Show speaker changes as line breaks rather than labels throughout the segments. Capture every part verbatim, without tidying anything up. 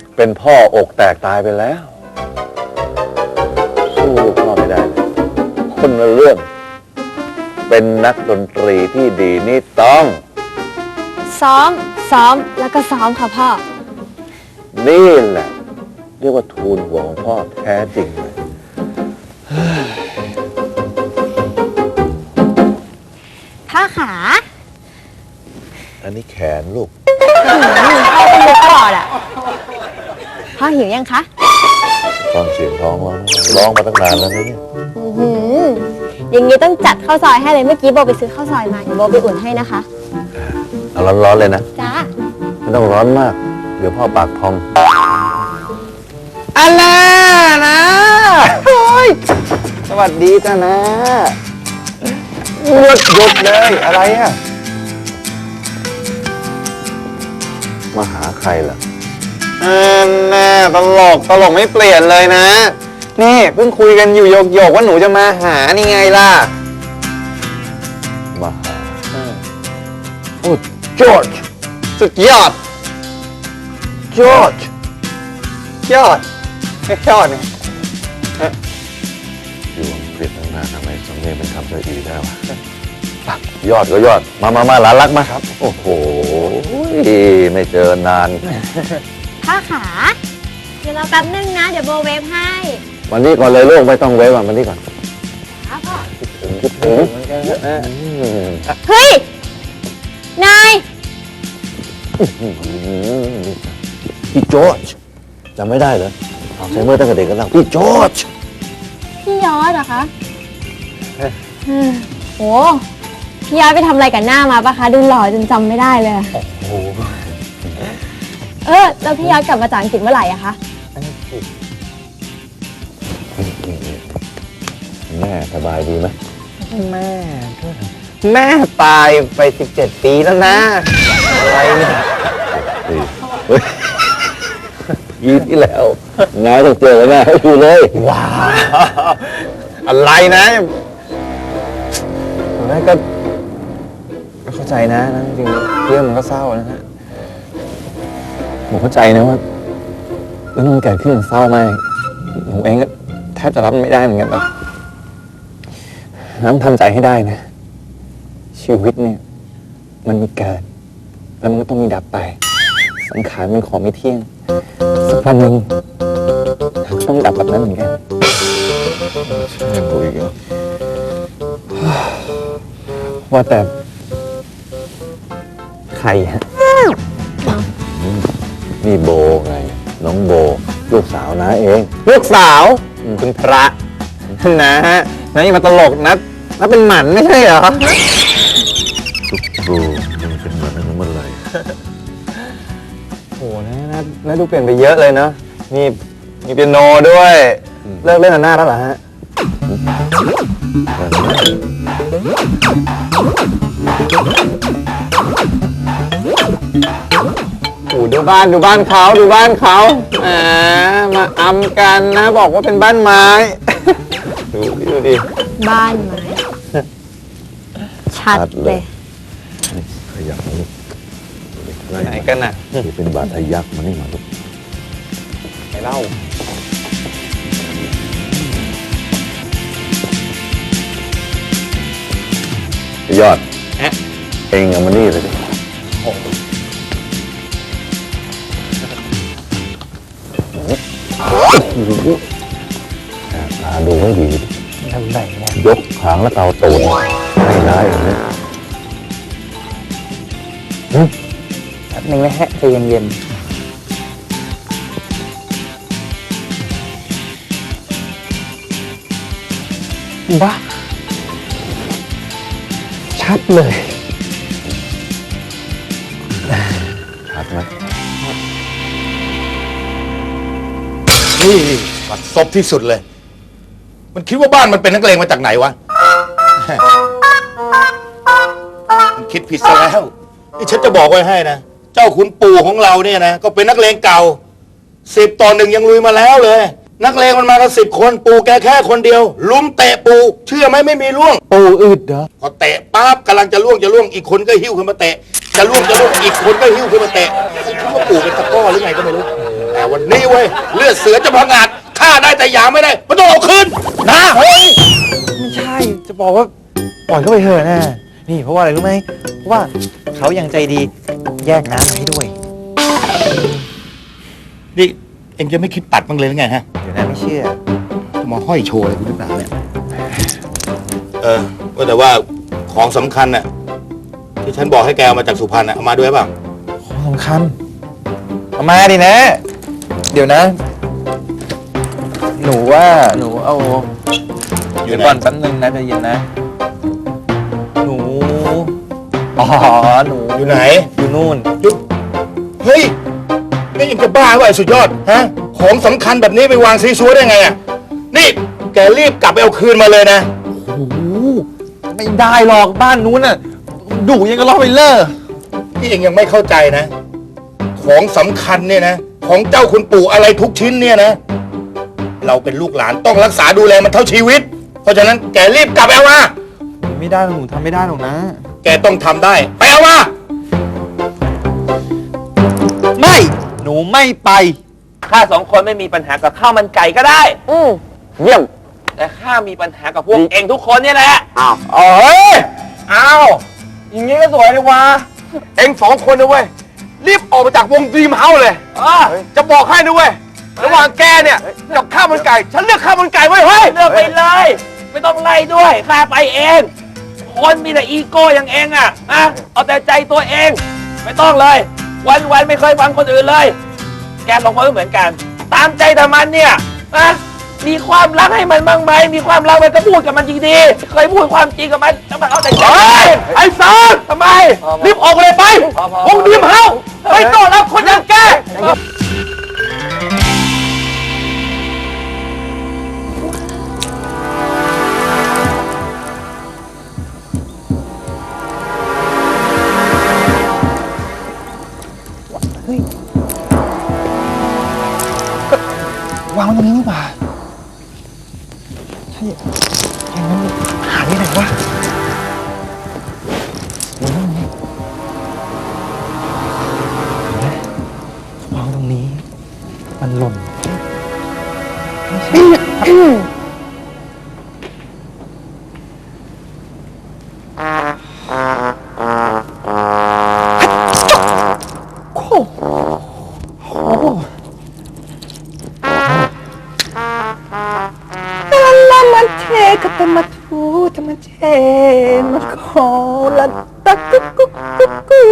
เป็นพ่ออกแตกตายไปแล้วสู้ลูกพ่อไม่ได้เลยคนละเรื่องเป็นนักดนตรีที่ดีนี่ต้อง
ซ้อมซ้อมแล้วก็ซ้อมค่ะพ่อ
นี่แหละเรียกว่าทูลหัวของพ่อแท้จริงเลย
พ่อขา
อันนี้แขนลูก
พ่อเป็นมุกตลอดอ่ะพ่อหิวยังคะ
ฟังเสียงท้องร้องร้องมาตั้งนานแล้วเนี่ย
อย่างนี้ต้องจัดข้าวซอยให้เลยเมื่อกี้โบไปซื้อข้าวซอยมาเดี๋ยวโบไปอุ่นให้นะคะ
เอาร้อนๆเลยนะ
จ้า
ไม่ต้องร้อนมากเดี๋ยวพ่อปากพอง
อันน่านะโอ้ยสวัสดีจ้านะหยุดหยุดเลยอะไรอ่ะ
มาหาใครล่ะ
อันน่าตลกตลกไม่เปลี่ยนเลยนะนี่เพิ่งคุยกันอยู่โยกๆว่าหนูจะมาหานี่ไงล่ะ
มาหา
โอ้จอร์จสุดยอดจอร์จยอดยอดเนี่ย
อยู่อังกฤษตั้งนานทำไมสำเนียงเป็นคำสะอีได้วะยอดก็ยอดมามามาหลานรักมาครับโอ้โหไม่เจอนาน
พ่อขาเดี๋ยวเราแป๊บนึงนะเดี๋ยวโบเวฟให้
วันนี้ก่อนเลยลูกไม่ต้องเวฟอ่ะวันนี้ก่อน
ครับพ่อ
คิดถึงคิดถึง
เฮ้ยนาย
พี่จอร์จจำไม่ได้เหรอเอาใช้เมื่อตั้งแต่เด็กกันแล้วพี่จอร์จ
พี่ยอดเหรอคะโอ้พี่ยอดไปทำอะไรกับหน้ามาปะคะดูหล่อจนจำไม่ได้เลยโอ้โหเออแล้วพี่ยอดกลับมาจากอังกฤษเมื่อไหร่อะคะ
แม่สบายดีไหม
แม่แม่ตายไปสิบเจ็ดปีแล้วนะอะไรเนี่ย
ยีที่แล้วงานต้องเจอแม่ให้ดูเลย
ว้าวอะไรนะแม่ก็เข้าใจนะนะจริงๆเรื่องมันก็เศร้านะฮะผมเข้าใจนะว่าเรื่องมันเกิดขึ้นเศร้ามากผมเองก็แทบจะรับไม่ได้เหมือนกันแบบน้ำทำใจให้ได้นะชีวิตเนี่ยมันมีเกิดแล้วมันก็ต้องมีดับไปสังขารมันของไม่เที่ยงสักวันหนึ่งต้องดับแบบนั้นเหมือนกัน
ใช่ปุ๋ยก็
ว่าแต่ใครฮะ
นี่โบไงน้องโบลูกสาวน้าเอง
ลูกสาวคุณพระนะฮะนะอย่ามาตลกนะนะเป็นหมันไม่ใช่เหรอ
ลูกครูมันเป็นหมันตั้งแต่เมื่อไหร่
โหนะนะนะดูเปลี่ยนไปเยอะเลยเนาะมีมีเปียโนด้วยเลิกเล่นอันหน้าแล้วเหรอฮะโอ้ดูบ้านดูบ้านเขาดูบ้านเขาอ่ามาอำกันนะบอกว่าเป็นบ้านไม้ดูดิดูดิ
บ้านไม้ชัดเลย
ขยับมาลูก
ไหนกันน่ะ
นี่เป็นบาดทะยักมานี่มาลูก
ไหนเล่าย
อดเองเอามานี่เลยดิดูให้ดี
ทำไหนเนี่ย
ยกหางแล้วเกาตูดไม่ได้อย่างนี้
แป๊บนึงนะฮะใจเย็นๆบ้าชัดเลย
ชัดไหม
นี่บัดซบที่สุดเลยมันคิดว่าบ้านมันเป็นนักเลงมาจากไหนวะมันคิดผิดซะแล้วนี่ฉันจะบอกไว้ให้นะเจ้าขุนปู่ของเราเนี่ยนะก็เป็นนักเลงเก่าสิบต่อหนึ่งยังลุยมาแล้วเลยนักเลงมันมากันสิบคนปู่แกแค่คนเดียวลุมเตะปู่เชื่อไหมไม่มีล่วง
ปู่อึดเหรอ
พอเตะปั๊บกำลังจะล่วงจะล่วงอีกคนก็หิ้วขึ้นมาเตะจะล่วงจะล่วงอีกคนก็หิ้วขึ้นมาเตะคิดว่าปู่เป็นตะก้อหรือไงก็ไม่รู้แต่วันนี้เว้ยเลือดเสือจะพังอาจฆ่าได้แต่หยามไม่ได้มันต้องเอาคืนนะเฮ้ย
ไม่ใช่ จะบอกว่าปล่อยเขาไปเถอะนะ นี่เพราะว่าอะไรรู้ไหม เพราะว่าเขายังใจดีแยกน้ำมาให้ด้วย
นี่เอ็งจะไม่คิดปัดบ้างเลยหรือไงฮะ
เดี๋ยวนะไม่เชื่อ
มาห้อยโชว์อะไรกูหรือเปล่าเนี่ยเออว่าแต่ว่าของสำคัญน่ะที่ฉันบอกให้แกเอามาจากสุพรรณน่ะเอามาด้วยเปล่า
ของสำคัญเอามาดินะ เดี๋ยวนะ หนูว่าหนูเอา
อยู่
เดี๋ยว
ไหน
ก่อนแป๊บนึงนะใจเย็นนะ หนู อ๋อ หนู
อยู่ไหน
อยู่นู่น
ยุดเฮ้ยนี่ยังจะบ้าว่ะไอ้สุดยอดฮะของสำคัญแบบนี้ไปวางซีซัวได้ไงอ่ะนี่แกรีบกลับไปเอาคืนมาเลยนะ
โอ้โหไม่ได้หรอกบ้านนู้นน่ะดุยังก็ล้อไปเลอร์
ที่เองยังไม่เข้าใจนะ ของสำคัญเนี่ยนะของเจ้าคุณปู่อะไรทุกชิ้นเนี่ยนะ เราเป็นลูกหลานต้องรักษาดูแลมันเท่าชีวิต เพราะฉะนั้นแกรีบกลับไปเอามา
ไม่ได้หรอกหนูทำไม่ได้หรอกนะ
แกต้องทำได้ไปเอามา
ไม่ หนูไม่ไป
ข้าสองคนไม่มีปัญหากับข้าวมันไก่ก็ได้
อืม
เยี่ยม
แต่ข้ามีปัญหากับพวกเองทุกคนเนี่ยแหละ
อ้าวเอ้ยอ้าวอย่างงี้ก็สวยเลยวะเอ็งสองคนนะเว้ย รีบออกมาจากวงดรีมเฮาส์เลย
อ่ะ
จะบอกให้นะเว้ย ระหว่างแกเนี่ย กับข้าวมันไก่ ฉันเลือกข้าวมันไก่ไว้ยเฮ้ย
เลือกไปเลย ไม่ต้องไล่ด้วยข้าไปเอง คนมีแต่อีโก้อย่างเองอ่ะอะเอาแต่ใจตัวเอง ไม่ต้องเลย วันวันๆไม่เคยฟังคนอื่นเลย แกสองคนก็เหมือนกัน ตามใจแต่มันเนี่ยนะมีความรักให้มันบ้างไหมมีความรักมันก็พูดกับมันดีๆเคยพูดความจริงกับมันแล้วมันเอาแต่ใจไอ้ซอนทำไมรีบออกเลยไปวงดรีมเฮาส์ไม่ต้อนรับคนอย่างแก
วางไว้ตรงนี้นี่หว่าใช่อย่างนั้นหายไปไหนวะอยู่ตรงนี้เห็นไหมวางตรงนี้ มันหล่นไม่ใช่โอ้โหโอ้โห
la manteca tomato manteca cola ta cu cu cu cu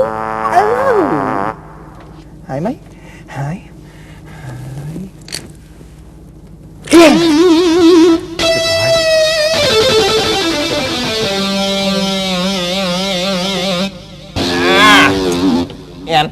หายไหมหายหายเพียงเอ็น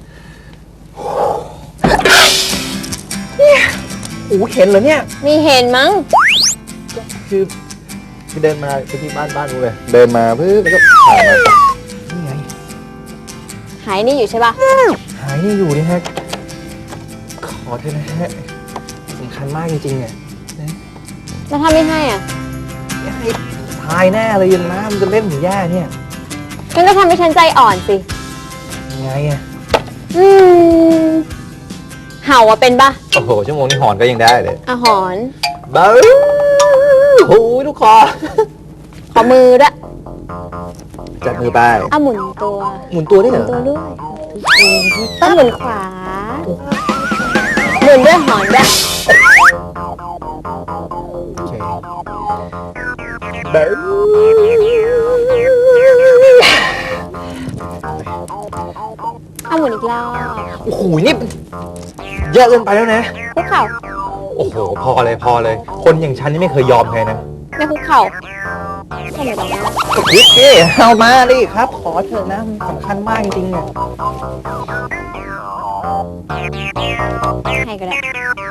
โอ้เห็นเหรอเนี่ย
มีเห็นมั้ง
คือคือเดินมาไปที่บ้านบ้านนู้นเลยเดินมาเพื่อแล้วก็ผ่านมานี่ไง
หายนี่อยู่ใช่ปะ
หายนี่อยู่นี่ฮะขอเถอะนะฮะสำคัญมากจริงๆเนี่ย
แล้วถ้าไม่ให้อ่ะ
ให้ทายแน่เลยยังนะมันจะเล่นหรือแย่เนี่ย
งั้นก็ทำให้ฉันใจอ่อนสิ
ยังไงอะ
อืม เห่าอะเป็นปะ
โอ้โหชั่วโมงนี้หอนก็ยังได้เลย
อาหอน
บ้าโอ้ยลูกคอ
ขอมือด้วย
จับมือไป
อ่ะหมุนตัว
หมุนตัวได้เหรอ
ตัวด้วยอ่ะหมุนขวา หมุนด้วยหอนด้วย
โอเคบ้า
อ่ะหมุนอีกรอบ
โอ้โหนี่เยอะเกินไปแล้วนะ
คุกเข่า
โอ้โหพอเลยพอเลย คนอย่างฉันนี่ไม่เคยยอมใครนะ
ไม่คุกเข่าทำไมตรงนี้
ยิกกี้เอามาดิครับ ขอเถอะนะมันสำคัญมากจริงๆเนี่ย
ให้ก็ได้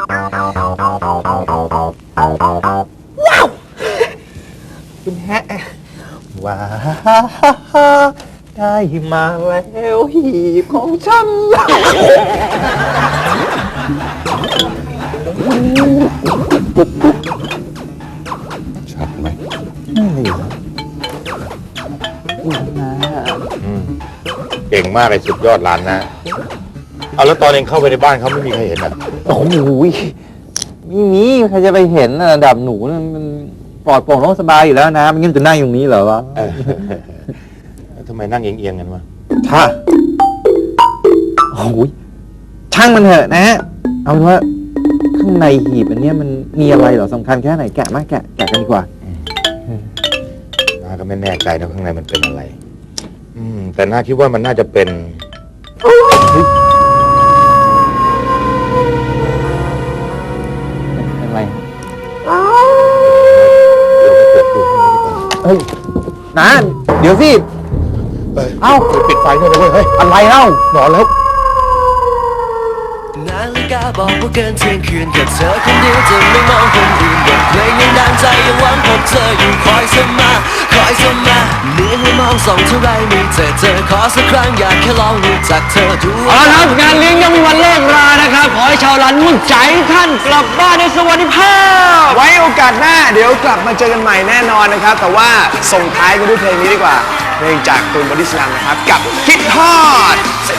คุณแฮะว้าได้มาแล้วหีบของฉัน
ชัดไหม
นั่นเลยเหรอ
เก่งมากเลยสุดยอดหลานนะเอาแล้วตอนเองเข้าไปในบ้านเขาไม่มีใครเห็นอ่ะ
โอ้โหไม่มีใครจะไปเห็นนะระดับหนูนะมันปลอดโปร่งโล่งสบายอยู่แล้วนะมันงั้นจะนั่งอยู่ตรงนี้เหรอวะ
เออทำไมนั่งเอียงๆกันวะ
ถ้าโอ้โหช่างมันเถอะนะ เอาเป็นว่าข้างในหีบอันเนี้ยมันมีอะไรเหรอสำคัญแค่ไหนแกะมาแกะแกะกันดีกว่า
น้าก็ไม่แน่ใจนะข้างในมันเป็นอะไร อืม แต่น้าคิดว่ามันน่าจะเป็น
เป็นอะไร
เปิดดูข้างในดีกว่า
เฮ้ยนะเดี๋ยวสิ
เอ้าปิดไฟด้วยนะเว้ยเฮ้ย
อะไรเล่า
นอนแล้ว
นาฬิกาบอกว่าเกินเที่ยงคืนแค่เธอคนเดียวจะไม่มองคนอื่นบทเพลงยังดังใจยังหวังพบเธออยู่คอยเสมอคอยเสมอเหนื่อยให้มองส่องเท่าไรไม่เจอเธอขอสักครั้งอยากแค่ลองรู้จักเธอดู
เอาละครับงานเลี้ยงยังมีวันเลิกรานะครับ ขอให้ชาวร้านมุ่งใจท่านกลับบ้านในสวัสดิภาพ
ไว้โอกาสหน้าเดี๋ยวกลับมาเจอกันใหม่แน่นอนนะครับ แต่ว่าส่งท้ายกันด้วยเพลงนี้ดีกว่า เพลงจากตูนบอดี้สแลมนะครับ กับคิดฮอด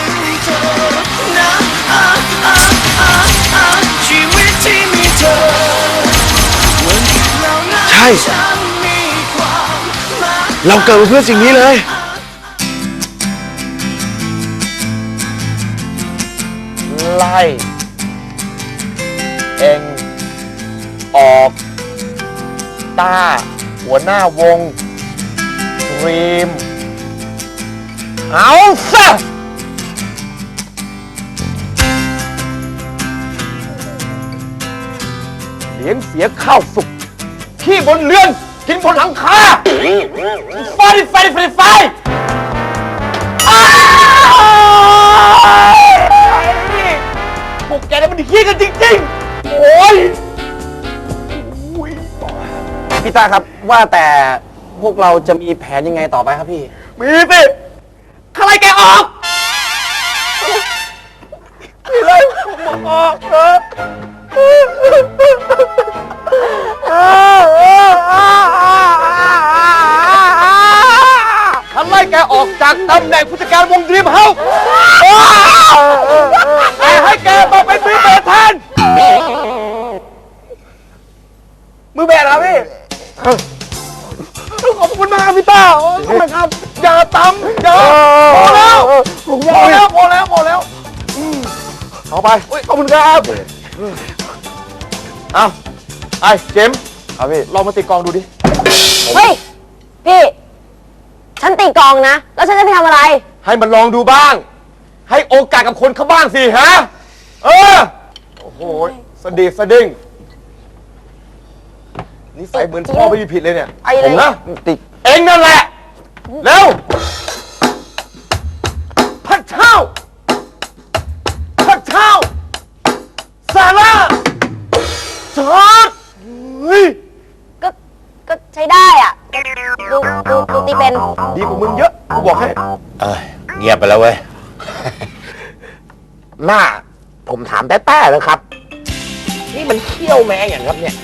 ชีวิตที่มีเธอวันที่เรานั้น
ใช่
ฉันมีความหมาย
เราเกิดมาเพื่อสิ่งนี้เลย
ไล่เองออกตาหัวหน้าวงดรีมเอาซะเลี้ยงเสียข้าวสุกขี้บนเรือน กินบนหลังคาไฟไฟไฟไฟอ้าวพวกแกนี่มันขี้กันจริงๆ โอ้ย
พี่ต้าครับว่าแต่พวกเราจะมีแผนยังไงต่อไปครับพี่
มีสิใครแกออกมีอะไรผมออกเออฉันไล่แกออกจากตำแหน่งผู้จัดการวงดรีมเฮาส์แต่ให้แกมาเป็นมือเบสแทนมือเบสครับพี่ ขอบคุณมากครับพี่ต้าโอ้ยขอบคุณครับ อย่าตำอย่าพอแล้วพอแล้วพอแล้วพอแล้วอืมเอาไปโอ้ยขอบคุณครับ เอาไอ้เจมส์ครับพี่ลองมาตีกลองดูดิ
เฮ้ย พี่ ฉันตีกลองนะ แล้วฉันจะไปทำอะไร
ให้มันลองดูบ้าง ให้โอกาสกับคนเขาบ้างสิฮะ เออ โอ้โหสดีสดิ้งนิสัยเหมือนพ่อไม่มีผิดเลยเนี่ย
ไอ้เลย
ผมนะติเองนั่นแหละ เร็วพระเจ้าพระเจ้าซาร่าจอร์ดเฮ้ย
ก็ ก็ใช้ได้อ่ะ ดู ดู ดูตีเป็น
ดีกว่ามึงเยอะกูบอกให้
เอ้ยเงียบไปแล้วเว้ย
หน้า ผมถามแต้ๆแล้วครับ นี่มันเขี้ยวแม่อย่างครับเนี่ย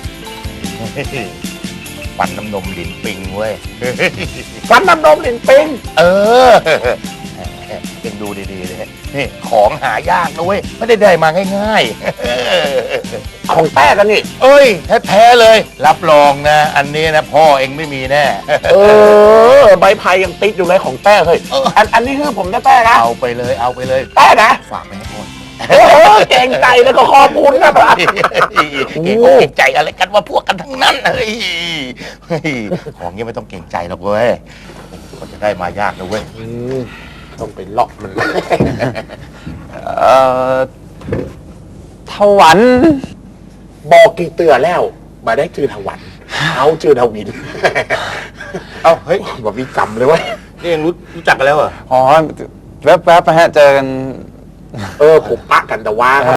ฟันน้ำนมลิ้นปิงเว้ย
ฟันน้ำนมลิ้นปิง
เออเอ็งดูดีๆเลยนี่ของหายากนะเว้ย ไม่ได้ได้มาง่ายๆ
ของแต้กันนี่
เอ้ยแท้ๆเลย รับรองนะ อันนี้นะพ่อเอ็งไม่มีแน่
เออ ใบไผ่ยังติดอยู่เลยของแต้เฮ้ย
เออ
อันอันนี้คือผมแต้ๆนะ
เอาไปเลยเอาไปเลย
แต้นะ
ฝากไปให้พ่อ
โอ้โหเก่งใจแล้วก็ขอบคุณนะครับ
เก่งอกเก่งใจอะไรกันว่าพวกกันทั้งนั้นเฮ้ยเฮ้ยของเงี้ยไม่ต้องเก่งใจหรอกเว้ยก็จะได้มายากนะเว้ย
ต้องไปเลาะมัน
เอ่อถวัน
บอกกี่เตือแล้วมาได้จือถวันเอาจือทวิน
เอ้าเฮ้ย
บอกมีกรรมเลยเว้ย
นี่ยังรู้รู้จักกันแล้วเหรอ
อ๋อแวบๆไปฮะเจอกัน
เออผมปะกันแต่ว่า